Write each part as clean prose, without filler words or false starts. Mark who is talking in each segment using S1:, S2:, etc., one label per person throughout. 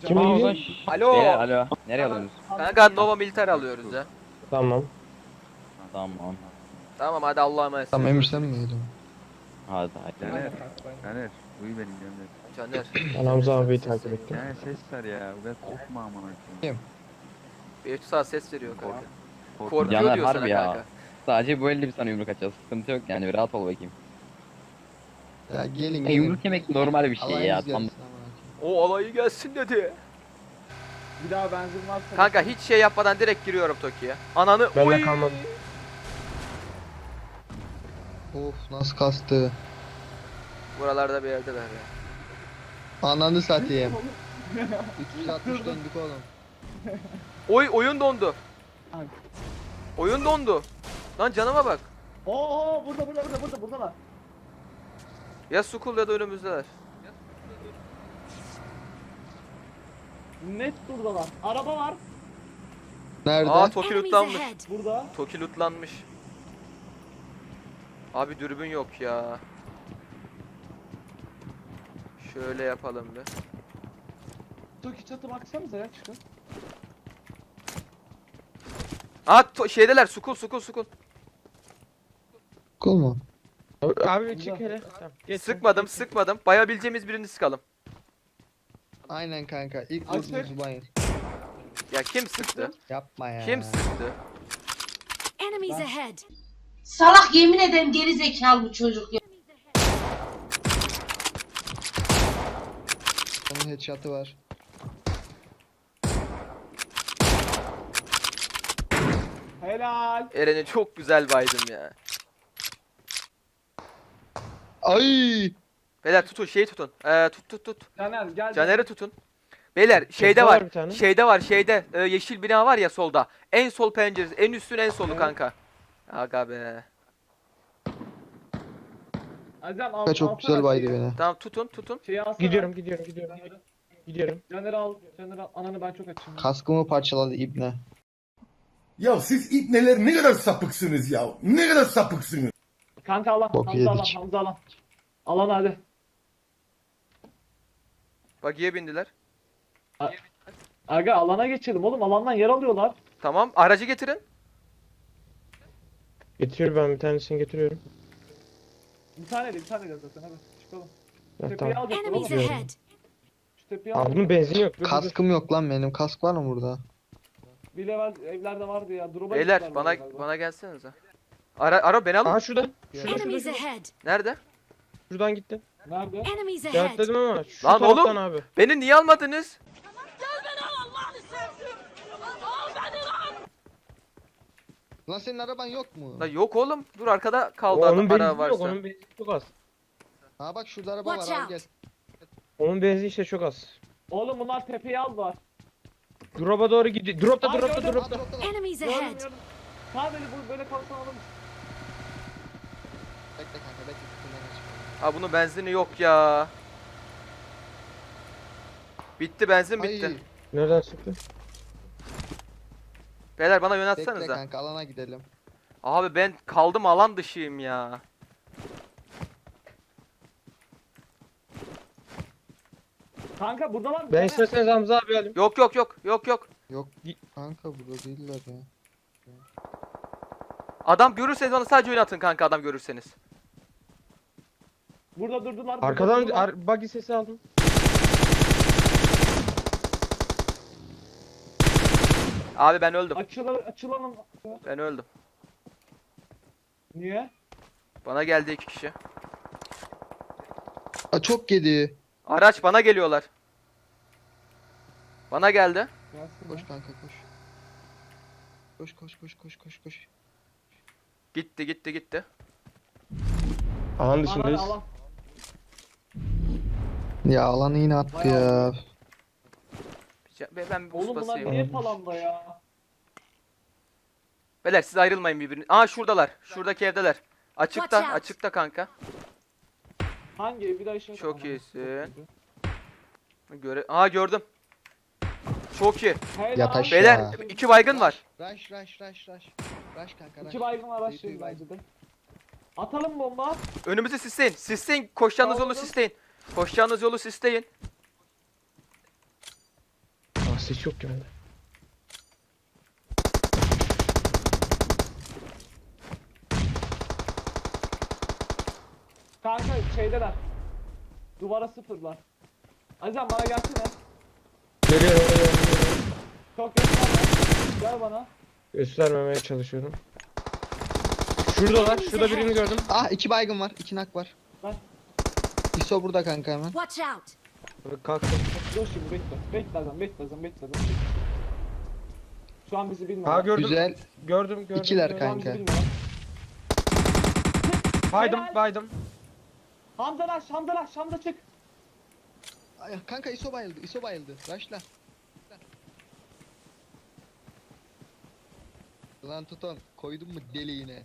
S1: Kim gidiyor?
S2: Alo.
S3: Beyler alo. Nereye alıyorsunuz?
S2: Kanka Nova Militer alıyoruz ya.
S1: Tamam.
S3: Tamam.
S2: Tamam hadi Allah'a emanet.
S4: Tamam Emir sen mi geliyorsun?
S3: Hadi hadi.
S5: Caner, uyu benim Caner.
S2: Caner.
S1: Ben Hamza abiyi takip ettim.
S5: Caner ses ver ya, biraz korkma amına koyayım.
S4: Kim?
S2: Beytü sağ ses veriyor kanka.
S5: Korkma.
S2: Korkuyor
S3: Caner
S2: diyor sana
S3: harbi ya.
S2: kanka.
S3: Sadece bu elde bir sana yumruk atacağız. Sıkıntı yok yani, bir rahat ol bakayım.
S4: Ya gelin
S3: Yumruk yemek normal bir şey ya. Tam
S2: O alayı gelsin dedi.
S6: Bir daha benzin varsa...
S2: Kanka hiç şey yapmadan direkt giriyorum Toki'ye. Ananı
S1: Ben de
S2: oy.
S1: kalmadı.
S4: Of nasıl kastı.
S2: Buralarda bir yerdeler ya.
S4: Ananı satayım. 360 döndük oğlum.
S2: Oy oyun dondu.
S6: Ay.
S2: Oyun dondu. Lan canıma bak.
S6: Oo buradalar.
S2: Ya Sukul ya da önümüzdeler.
S6: Net buradalar. Araba var
S4: Nerede?
S2: Aa Toki
S7: Enemies
S2: lootlanmış.
S7: ahead.
S6: burada.
S2: Toki lootlanmış. Abi dürbün yok ya. Şöyle yapalım bir.
S6: Toki çatı baksanıza ya çıkın.
S2: Şeydeler Sukul.
S4: Kul mu?
S1: Abi çık hele. Tamam. Geç.
S2: Sıkmadım. Bayabileceğimiz birini sıkalım.
S4: Aynen kanka. İlk
S6: Açık.
S4: vurduğumuzu bayır.
S2: Ya kim sıktı?
S4: Yapma ya.
S2: Kim sıktı?
S7: Enemies ahead.
S8: Salak yemin ederim geri zekalı bu çocuk ya.
S4: Onun headshot'ı var.
S6: Helal.
S2: Eren'e çok güzel baydım ya.
S4: Ay!
S2: Beyler tutun tutun. Tut.
S6: Caner gel.
S2: Caner'i tutun. Beyler şeyde
S1: Çatıda
S2: var.
S1: var bir tane.
S2: Şeyde var yeşil bina var ya solda. En sol penceresi. En üstün en solu
S6: Evet.
S2: kanka. Aga be.
S6: Azem
S4: Kanka çok güzel baydı beni.
S2: Tamam tutun.
S6: Şeyi alsana.
S1: Gidiyorum. Gidiyorum.
S6: Caner'i al. Ananı ben çok açım.
S4: Kaskımı parçaladı ibne.
S9: Ya siz ipneler ne kadar sapıksınız ya. Ne kadar sapıksınız.
S6: Kanka alan.
S4: Bok
S6: Hamza alan.
S4: yedik.
S6: Hamza alan. Alan hadi.
S2: Bagiye bindiler.
S6: Aga alana geçelim oğlum. Alandan yer alıyorlar.
S2: Tamam aracı getirin.
S1: Getiriyorum, ben bir tanesini getiriyorum.
S6: Bir tane de zaten hadi çıkalım.
S1: Ha,
S6: Tepeyi
S1: tamam.
S6: alacaklar
S7: Enemies
S6: oğlum.
S7: ahead.
S6: Şu tepeyi
S1: Aa,
S6: al.
S1: bunun benzin yok. Dur.
S4: Kaskım yok lan benim. Kask var mı burada?
S6: Bir level evlerde vardı ya. Drop'a
S2: Beyler
S6: gittiler
S2: bana
S6: galiba.
S2: bana gelsenize. Ara beni alın.
S1: Aa şurada.
S7: Enemies ahead.
S2: Nerede?
S1: Şuradan gitti.
S6: Nerede?
S7: Enemies ahead.
S1: Cevapladım ama şu
S2: Lan oğlum!
S1: taraftan abi.
S2: Beni niye almadınız?
S4: Lan senin araban yok mu?
S2: Lan yok oğlum. Dur arkada kaldı
S1: Onun benzini
S2: ara
S1: yok.
S2: varsa.
S1: Onun benzini çok az.
S4: Ha bak şurada araba
S7: Watch
S4: var al
S7: out.
S4: gel.
S1: Onun benzini işte çok az.
S6: Oğlum bunlar tepeyi aldılar.
S1: Drop'a doğru gidiyor. Drop'ta.
S4: Ha,
S6: Gördüm.
S4: dropta lan.
S7: Enemies
S6: Gördüm
S7: ahead.
S6: gördüm. Tamam böyle kalsan alırız.
S4: Bekle kanka bekle. Kutudan geç.
S2: Ha bunun benzini yok ya. Bitti benzin bitti.
S4: Ay,
S1: Nereden çıktı?
S2: Beyler bana
S4: bekle
S2: yöneltsenize.
S4: kanka alana gidelim.
S2: Abi ben kaldım alan dışıyım ya.
S6: Kanka burada var mı?
S1: Ben
S6: Caner.
S1: isterseniz Hamza abi alayım.
S2: Yok.
S4: Yok kanka burada değiller ya.
S2: Adam görürseniz bana sadece oynatın kanka adam görürseniz.
S6: Burada durdular.
S1: Arkadan
S6: durdular.
S1: buggy sesi aldım.
S2: Abi ben öldüm.
S6: Açılalım.
S2: Ben öldüm.
S6: Niye?
S2: Bana geldi 2 kişi.
S4: Aa, çok yedi.
S2: Araç bana geliyorlar. Bana geldi.
S6: Gelsin
S4: Koş
S6: ya.
S4: kanka koş. Koş.
S2: Gitti.
S1: Alan
S6: Lan
S1: dışındayız.
S6: alan.
S4: Ya alanı yine attı ya.
S2: Ben bir boost
S6: Oğlum bunlar
S2: basayım.
S6: niye falanda ya?
S2: Beyler siz ayrılmayın birbirine. Aa şuradalar. Şuradaki evdeler.
S7: Watch out.
S2: Açıkta kanka.
S6: Hangi ev? Bir daha işe
S2: Çok iyisin. Gördüm. Çok iyi.
S6: Helal.
S4: Yataş.
S2: Beyler
S4: Ya.
S2: 2 baygın var.
S4: Rush kanka rush.
S6: İki baygın var
S4: Büyük
S6: şey
S4: bir baygın.
S6: bence de. Atalım bomba.
S2: Önümüzü sisleyin. Sisleyin. Koşacağınız yolu
S6: Aldım.
S2: sisleyin. Koşacağınız yolu sisleyin.
S1: Aa ses yok ki bende.
S6: Kanka şeydeler. Duvara sıfırlar. Azam bana gelsene.
S1: Geliyorum.
S6: Çok gösterme. Gel bana.
S1: Göstermemeye çalışıyorum. Şuradalar. Şurada birini gördüm.
S4: Ah 2 baygın var. 2 nak var.
S6: Ben-
S4: ISO burada kanka hemen.
S7: Watch out!
S1: Kalktım.
S6: Dur şimdi bekle. Bekle Azam, bekle Azam, bekle Azam. Şu an bizi bilmiyor.
S1: Ha gördüm.
S4: Güzel.
S1: Gördüm.
S4: İkiler
S1: gördüm.
S6: Şu an bizi
S4: kanka.
S6: bilmiyor.
S1: Baydım.
S6: Hamza çık.
S4: Ay, kanka ISO bayıldı. ISO bayıldı. Başla. Lan tuton. Koydun mu deliğine?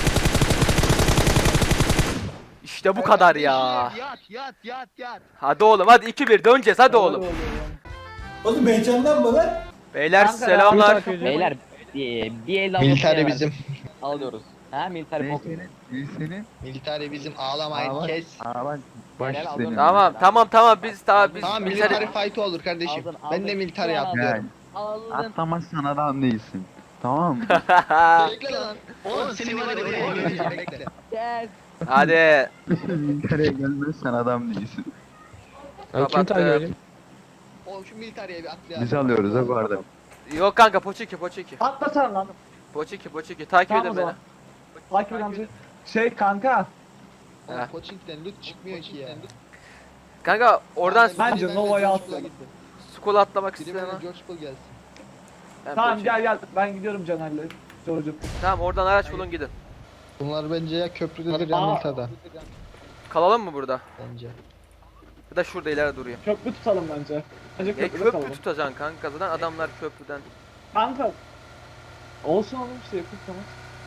S2: İşte bu kadar ya.
S4: Yat.
S2: Hadi oğlum hadi 2-1 döneceğiz hadi oğlum.
S9: Oğlum heyecanlanma lan.
S2: Beyler
S6: Kanka,
S2: selamlar.
S3: Beyler bir el
S4: Militari bizim.
S3: alıyoruz. Ha militari bok.
S5: Senin.
S4: Militari bizim. Ağlamayın
S5: Aa,
S4: kes.
S5: Aa baş
S3: Helal
S5: senin.
S3: olsun.
S2: Tamam biz
S4: Tamam militari fight olur kardeşim. Ben de militari atlıyorum.
S3: Aldın.
S5: Atlamazsan adam değilsin. Tamam mı?
S4: Bekle lan. Oğlum seni var ya bekle.
S3: Yes.
S2: Hadi.
S5: Militer'e gelmezsen adam değilsin.
S1: Ben kim takip edeyim?
S4: Oğlum şu militariye bir atlayalım.
S5: Biz alıyoruz ha bu arada.
S2: Yok kanka Poçiki.
S6: Atla sen lan.
S2: Poçiki takip
S6: Tamam o
S2: edin beni.
S6: zaman. Takip et amca. Şey kanka.
S4: Oğlum Koçink'ten loot çıkmıyor ki ya.
S2: Kanka oradan
S6: Bence Nova'ya atla.
S2: skola atlamak
S4: Biri
S2: istemem.
S4: böyle George Bull gelsin.
S2: Ben
S6: Tamam
S2: Poçiki.
S6: gel ben gidiyorum Caner'le. George'um.
S2: Tamam oradan araç bulun gidin.
S4: Bunlar bence ya köprüdedir ya
S6: Aa.
S4: Milta'da.
S2: Kalalım mı burada?
S4: Bence.
S2: Ya da şurada ileride duruyor.
S6: Köprü tutalım bence. Bence köprüde
S2: Köprü
S6: kalalım.
S2: tutacaksın kanka zaten adamlar köprüden.
S6: Kanka. Olsun oğlum işte yakın tamam.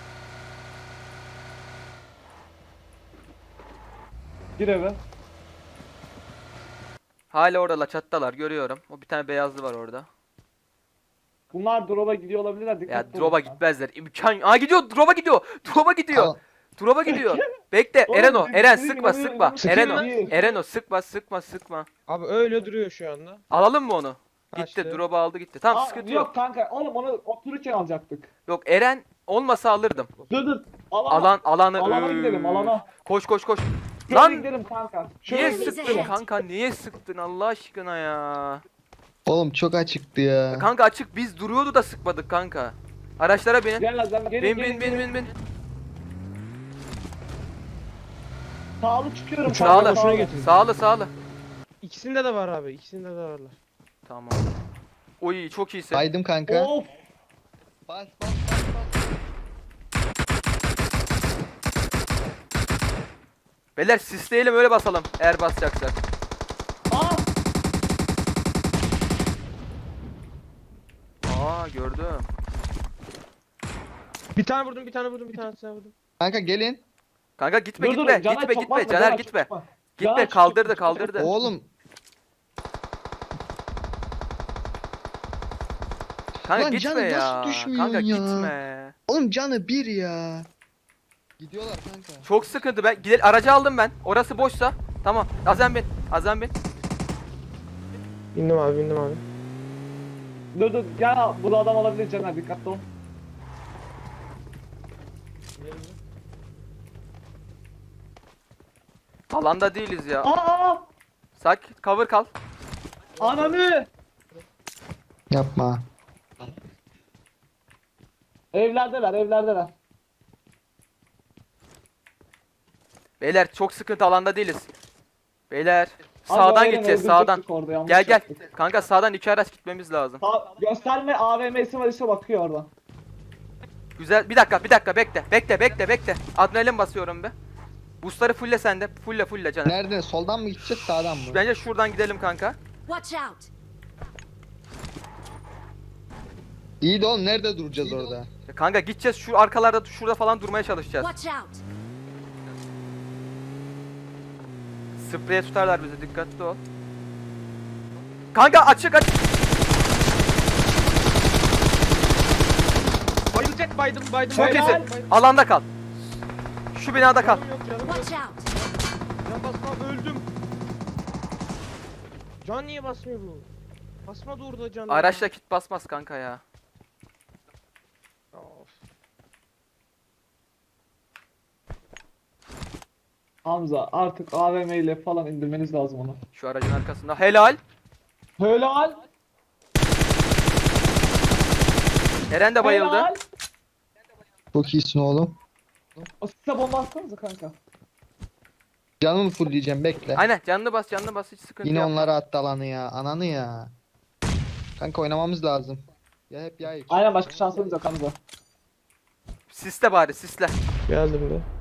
S6: Gir eve.
S2: Hala orada çattalar görüyorum. O bir tane beyazlı var orada.
S6: Bunlar drop'a gidiyor olabilirler. Dikkat
S2: Ya drop'a gitmezler. İmkan. Aa gidiyor. Drop'a gidiyor.
S4: Al.
S2: Drop'a gidiyor. Bekle.
S6: Oğlum,
S2: Eren
S6: bizim
S2: sıkma.
S6: Sıkayım
S2: Eren
S6: mı?
S2: sıkma.
S1: Abi öyle duruyor şu anda.
S2: Alalım mı onu? Gitti.
S1: Kaçtı.
S2: Drop'u aldı gitti. Tamam sıkıntı yok.
S6: Yok kanka oğlum onu otururken alacaktık.
S2: Yok Eren olmasa alırdım.
S6: Dur. Alanı
S2: Alanı.
S6: gidelim alana.
S2: Koş.
S6: Şöyle
S2: Lan
S6: gidelim kanka.
S2: niye
S7: Şöyle
S2: sıktın
S7: gidelim.
S2: kanka? Niye sıktın Allah aşkına ya?
S4: Oğlum çok açıktı ya.
S2: Kanka açık biz duruyordu da sıkmadık kanka. Araçlara binin.
S6: Gel Azam gelin
S2: Bin.
S6: Sağlı çıkıyorum.
S1: Uçağı
S6: kanka,
S1: boşuna getirdim.
S2: Sağlı.
S1: İkisinde de var abi. İkisinde de varlar.
S2: Tamam. Oy çok iyisin.
S4: Baydım kanka.
S6: Of.
S4: Bas.
S2: Beyler sisleyelim öyle basalım eğer basacaksak.
S6: Aa.
S2: Aa gördüm.
S1: Bir tane vurdum. Bir tane vurdum.
S4: Kanka gelin.
S2: Kanka gitme.
S6: Caner çok basma,
S2: Caner
S6: çok
S2: gitme.
S6: basma.
S2: Gitme
S6: Caner
S2: kaldırdı.
S4: Oğlum.
S2: Kanka
S4: Lan
S2: gitme
S4: Caner
S2: ya.
S4: nasıl düşmüyor
S2: Kanka
S4: ya?
S2: gitme.
S4: Oğlum canı bir ya. Gidiyorlar kanka.
S2: Çok sıkıntı. Ben gidelim aracı aldım ben. Orası boşsa. Tamam. Azem bin.
S1: Bindim abi.
S6: Dur gel bu da adam olabilir Caner dikkatli ol.
S2: Alanda değiliz ya.
S6: Aa!
S2: Sakin. Cover kal.
S6: Ananı!
S4: Yapma.
S6: Evlerdeler.
S2: Beyler çok sıkıntı alanda değiliz. Beyler
S6: Abi
S2: sağdan
S6: aynen
S2: gideceğiz
S6: öldürecektik
S2: sağdan.
S6: orada, yanlış
S2: Gel.
S6: yaptık.
S2: Kanka sağdan 2 araç gitmemiz lazım.
S6: Gösterme AVM'si var işte bakıyor oradan.
S2: Güzel. Bir dakika bekle. Adrenalin basıyorum be. Boostları fulle sende. Fulle Caner.
S4: Nereden? Soldan mı gideceğiz sağdan mı?
S2: Bence şuradan gidelim kanka.
S7: Watch out!
S4: İyi de oğlum nerede duracağız orada?
S2: Kanka gideceğiz şu arkalarda şurada falan durmaya çalışacağız.
S7: Watch out!
S2: Spreye tutarlar bizi dikkatli ol. Kanka açık.
S1: Bayılacak baydım.
S2: Çok
S6: Helal.
S2: iyisin. Alanda kal. Şu binada kal.
S1: Canım yok.
S7: Watch out!
S1: Can basma öldüm. Can niye basmıyor bu? Basmadı orada canım.
S2: Araçla kit basmaz kanka ya.
S1: Of.
S6: Hamza artık AVM ile falan indirmeniz lazım onu.
S2: Şu aracın arkasında. Helal.
S6: Helal.
S2: Eren de bayıldı.
S6: Helal.
S4: Çok iyisin oğlum.
S6: O size bomba atsanıza kanka.
S4: Canımı fullleyeceğim bekle.
S2: Aynen canını bas hiç sıkıntı
S4: Yine
S2: yok.
S4: onlara attı alanı ya. Ananı ya. Kanka oynamamız lazım. Ya hep ya hiç.
S6: Aynen başka şansımız yok Hamza.
S2: Sisle bari sisle.
S1: Geldim de.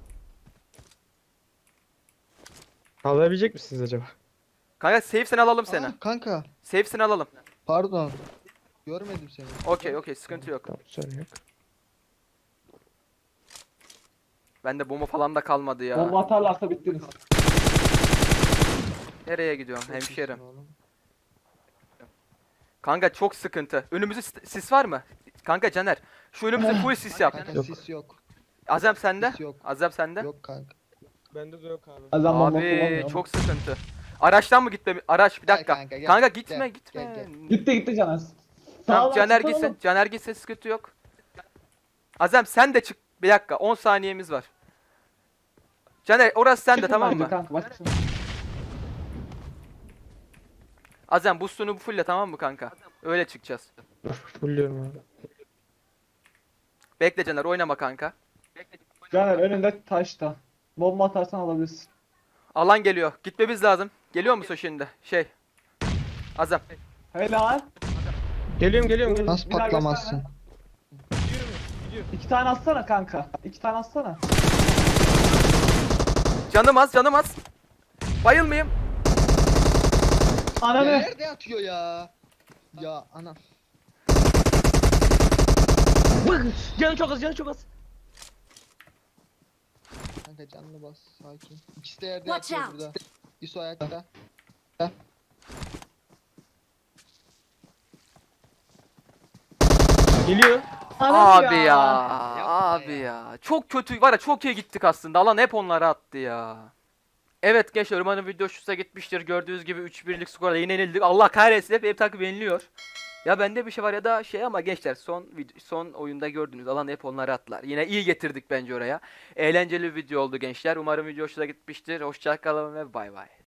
S1: Kalabilecek misiniz acaba?
S2: Kanka safe'sini alalım seni.
S4: Aa, kanka
S2: Safe'sini alalım.
S4: pardon. Görmedim seni.
S2: Okey sıkıntı yok.
S1: Tamam sorun yok.
S2: Bende bomba falan da kalmadı ya.
S6: Bomba atarlarsa bittiniz.
S2: Nereye gidiyorum
S4: Çok
S2: hemşerim?
S4: iyisin oğlum.
S2: Kanka çok sıkıntı. Önümüzde sis var mı? Kanka Caner. Şu önümüze full sis yap.
S4: Kanka
S1: Yok.
S4: sis yok.
S2: Azem sende.
S4: Sis yok.
S2: Azem sende.
S4: Yok kanka.
S1: Bende de yok abi.
S6: Azam bomba
S2: Abi
S6: kullanmıyor.
S2: çok sıkıntı. Araçtan mı gitme? Araç bir
S4: Gel
S2: dakika.
S4: kanka, gel.
S2: Kanka gitme
S4: Gel,
S2: gitme.
S4: gel,
S6: Gitti Caner.
S2: Tamam
S6: Sağdan
S2: Caner
S6: çıksana
S2: gitsin.
S6: oğlum.
S2: Caner gitsin sıkıntı yok. Azem sen de çık. Bir dakika 10 saniyemiz var. Caner orası sende
S6: Çıkın
S2: tamam
S6: bence
S2: mı?
S6: Kanka, başkasına.
S2: Azem boostunu fulle tamam mı kanka? Öyle çıkacağız.
S1: Fulluyorum abi.
S2: Bekle Caner oynama kanka.
S6: Caner önünde taşta. Bomba atarsan alabilirsin.
S2: Alan geliyor. Gitmemiz lazım. Geliyor musun şimdi? Azem.
S6: Helal.
S1: Geliyorum.
S4: Nasıl
S6: Bir daha
S4: patlamazsın?
S6: İki tane atsana kanka. İki tane atsana.
S2: Canım az. Bayılmayayım.
S4: Ya
S6: Ananı.
S4: nerede atıyor ya? Ya ana.
S1: Canı çok az.
S4: Kanka canını bas sakin. İkisi de yerde
S7: Watch
S4: yatıyor
S7: out.
S4: burada. İso ayakta.
S1: Geliyor.
S6: Ananı
S2: Abi ya. Abi ya. Çok kötü var ya çok iyi gittik aslında. Alan hep onlara attı ya. Evet gençler umarım video hoşunuza gitmiştir. Gördüğünüz gibi 3-1'lik skorla yine yenildik. Allah kahretsin hep takip yeniliyor. Ya bende bir şey var ya da ama gençler son oyunda gördünüz alan hep onları attılar. Yine iyi getirdik bence oraya. Eğlenceli bir video oldu gençler. Umarım video hoşunuza gitmiştir. Hoşça kalın ve bay bay.